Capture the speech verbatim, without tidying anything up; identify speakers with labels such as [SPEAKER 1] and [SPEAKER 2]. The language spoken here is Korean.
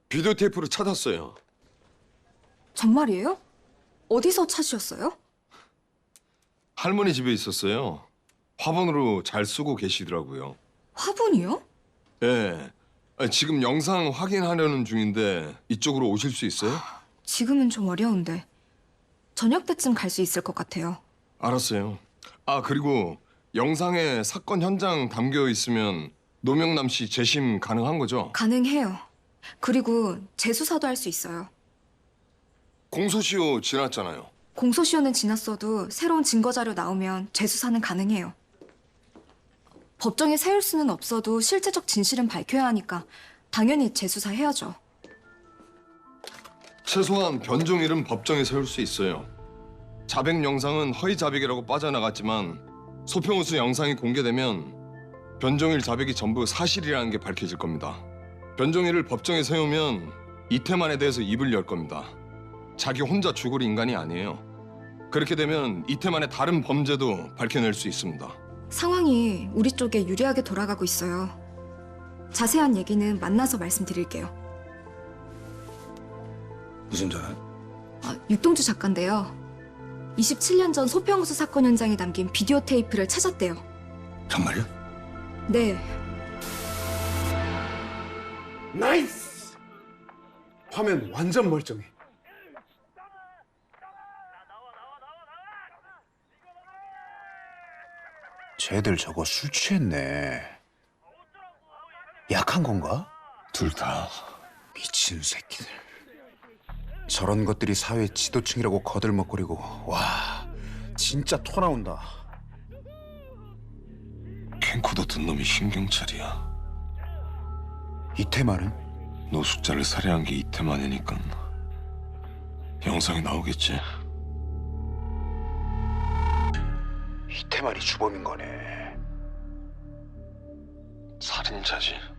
[SPEAKER 1] 비디오 테이프를 찾았어요.
[SPEAKER 2] 정말이에요? 어디서 찾으셨어요?
[SPEAKER 1] 할머니 집에 있었어요. 화분으로 잘 쓰고 계시더라고요.
[SPEAKER 2] 화분이요?
[SPEAKER 1] 예. 아니, 지금 영상 확인하려는 중인데 이쪽으로 오실 수 있어요?
[SPEAKER 2] 지금은 좀 어려운데 저녁 때쯤 갈 수 있을 것 같아요.
[SPEAKER 1] 알았어요. 아, 그리고 영상에 사건 현장 담겨 있으면 노명남 씨 재심 가능한 거죠?
[SPEAKER 2] 가능해요. 그리고 재수사도 할 수 있어요.
[SPEAKER 1] 공소시효 지났잖아요.
[SPEAKER 2] 공소시효는 지났어도 새로운 증거 자료 나오면 재수사는 가능해요. 법정에 세울 수는 없어도 실제적 진실은 밝혀야 하니까 당연히 재수사 해야죠.
[SPEAKER 1] 최소한 변종일은 법정에 세울 수 있어요. 자백 영상은 허위 자백이라고 빠져나갔지만 소평우수 영상이 공개되면 변종일 자백이 전부 사실이라는 게 밝혀질 겁니다. 변종일을 법정에 세우면 이태만에 대해서 입을 열 겁니다. 자기 혼자 죽을 인간이 아니에요. 그렇게 되면 이태만의 다른 범죄도 밝혀낼 수 있습니다.
[SPEAKER 2] 상황이 우리 쪽에 유리하게 돌아가고 있어요. 자세한 얘기는 만나서 말씀드릴게요.
[SPEAKER 3] 무슨 전화?
[SPEAKER 2] 아, 육동주 작가인데요. 이십칠 년 전 소평우수 사건 현장에 남긴 비디오 테이프를 찾았대요.
[SPEAKER 3] 정말요?
[SPEAKER 2] 네,
[SPEAKER 4] 나이스! 화면 완전 멀쩡해.
[SPEAKER 3] 쟤들 저거 술 취했네. 약한 건가?
[SPEAKER 1] 둘 다.
[SPEAKER 3] 미친 새끼들. 저런 것들이 사회 지도층이라고 거들먹거리고 와 진짜 토 나온다.
[SPEAKER 1] 캠코더 든 놈이 신경찰이야.
[SPEAKER 3] 이태만은?
[SPEAKER 1] 노숙자를 살해한 게 이태만이니까 영상이 나오겠지.
[SPEAKER 3] 이태만이 주범인 거네.
[SPEAKER 1] 살인자지.